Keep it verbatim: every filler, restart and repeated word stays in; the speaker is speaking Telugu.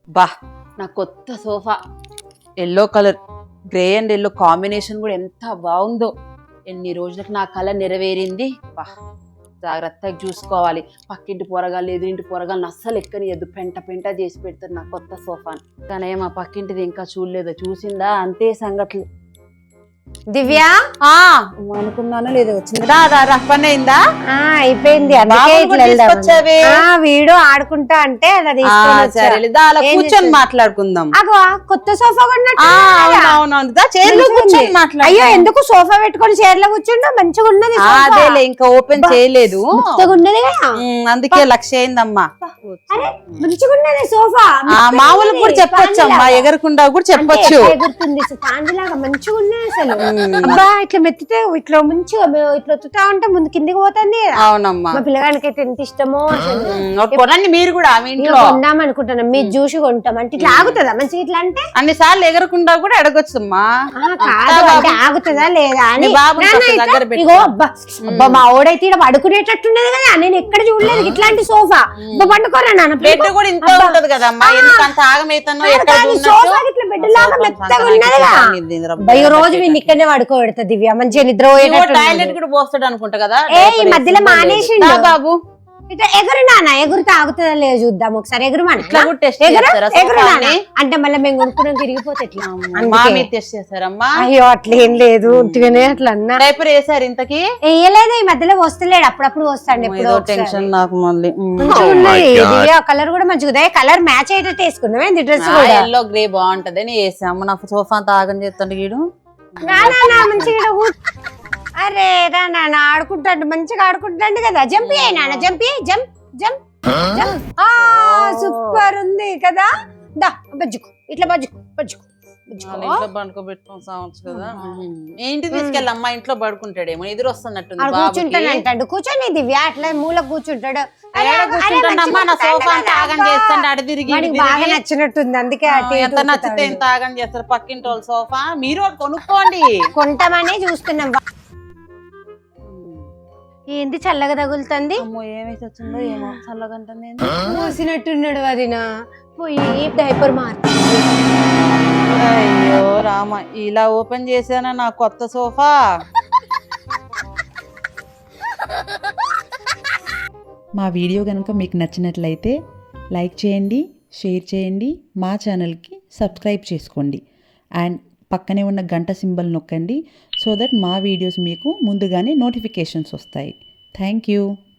బా నా కొత్త sofa yellow colour, grey and yellow combination కూడా ఎంత బాగుందో. ఎన్ని రోజులకు నా కళ నెరవేరింది. బా జాగ్రత్తగా చూసుకోవాలి. పక్కింటి పోరగాళ్ళు ఎదురింటి పోరగాళ్ళని అస్సలు ఎక్కనియద్దు. పెంట పెంట చేసి పెడతారు నా కొత్త సోఫాని. కానీ మా పక్కింటిది ఇంకా చూడలేదు. చూసిందా అంతే సంగతులు. దివ్య అనుకున్నానో లేదో వచ్చింది. రా రా రా పని అయిందా? అయిపోయింది. వీడు ఆడుకుంటా అంటే అలా సరే కూర్చొని మాట్లాడుకుందాం. అగో కొత్త సోఫా అయ్యో ఎందుకు సోఫా పెట్టుకొని చైర్లో కూర్చుంటా? మంచిగా ఉన్నది. అదేలే ఇంకా ఓపెన్ చేయలేదు, ఉన్నది అందుకే లక్ష అయిందమ్మా. మంచిగా ఉన్నది సోఫా. మామూలు కూడా చెప్పొచ్చు అమ్మా, ఎగరకుండా కూడా చెప్పొచ్చు. లాగా మంచిగా ఉన్నది అసలు. అబ్బా ఇట్లా మెత్తితే ఇట్లా మంచిగా ఇట్లా ఒత్తుతా ఉంటే ముందు కిందికి పోతుంది. అవునమ్మా. మా పిల్లగానికి అయితే ఎంత ఇష్టమో కొనండి మీరు కూడా. కొందాం అనుకుంటున్నాం, మీరు చూసి కొంటాం అంటే ఇట్లా ఆగుతుందా మంచిగా? ఇట్లా అంటే అన్ని సార్లు ఎగరకుండా కూడా అడగొచ్చమ్మా. కాదు అంటే ఆగుతుందా లేదా అని. ఇగో అబ్బా అబ్బా మా ఓడైతే ఇక్కడ పడుకునేటట్టున్నది కదా, నేను ఎక్కడ చూడలేదు ఇట్లాంటి సోఫా. పండుకోరా నాన్న. బెడ్ కూడా ఇంత ఉంటది కదమ్మా, ఎందుకంత ఆగమైతానో సోఫా ఇట్లా బెడ్ లాగా మెత్తగా ఉన్నది. ఈ రోజు వీళ్ళు ఇక్కడనే పడుకోబెడతా దివ్య, మంచిగా నిద్ర టాయిలెట్ కూడా పోస్తాడు అనుకుంటా కదా. ఏ ఈ మధ్యలో మానేసి బాబు ఇట్లా ఎగురు నాన్న. ఎగురు తాగుతుందా లేదు చూద్దాం ఒకసారి. ఎగురు మన ఎగురు నాన్న అంటే మళ్ళీ మేము కొనుక్కున్నాం తిరిగిపోతే ఎట్లా? అయ్యో అట్లా ఏం లేదు, ఉట్టిగానే అట్లా అన్నా. డైపర్ వేసారు ఇంతకి? వేయలేదు, ఈ మధ్యలో వస్తలేడు, అప్పుడప్పుడు వస్తాడు. ఎప్పుడు టెన్షన్ నాకు మళ్ళీ. మంచిగా ఉన్నది దివ్య, కలర్ కూడా మంచిగా. కలర్ మ్యాచ్ అయితే తీసుకున్నాం ఏంది డ్రెస్ కూడా. ఎల్లో గ్రే బాగుంటదని వేసాము. నాకు సోఫా అంతా ఆగం చేస్తాడు వీడు. మంచిగా అరే రా నాన్న ఆడుకుంటాడు, మంచిగా ఆడుకుంటాడు కదా. జంప్ అయ్యి నాన్న, jump jump jump jump. Super ఉంది కదా. దా బజ్జుకు ఇట్లా బజ్జుకు బజ్జుకు ఇంట్లో పడుకోబెట్టుకోవచ్చు కదా. ఏంటి తీసుకెళ్ళమ్మా, ఇంట్లో పడుకుంటాడేమో, ఎదురు వస్తున్నట్టు కూర్చుంటానంటాడు. కూర్చొని దివ్య అట్లా మూల కూర్చుంటాడు. బాగా నచ్చినట్టుంది అందుకే. ఎంత నచ్చితే ఎంత ఆగం చేస్తారు పక్కింటి వాళ్ళ సోఫా. మీరు కొనుక్కోండి. కొంటామనే చూస్తున్నాం. ఏంది చల్లగా తగులుతుంది? ఏమైతే వచ్చిందో ఏమో చల్లగా మూసినట్టున్నాడు. వదినా పోయి డైపర్ మార్చి. అయ్యో రామ, ఇలా ఓపెన్ చేశానా నా కొత్త సోఫా. మా వీడియో కనుక మీకు నచ్చినట్లయితే లైక్ చేయండి, షేర్ చేయండి, మా ఛానల్కి సబ్స్క్రైబ్ చేసుకోండి. అండ్ పక్కనే ఉన్న గంట సింబల్ నొక్కండి, సో దట్ మా వీడియోస్ మీకు ముందుగానే నోటిఫికేషన్స్ వస్తాయి. Thank you.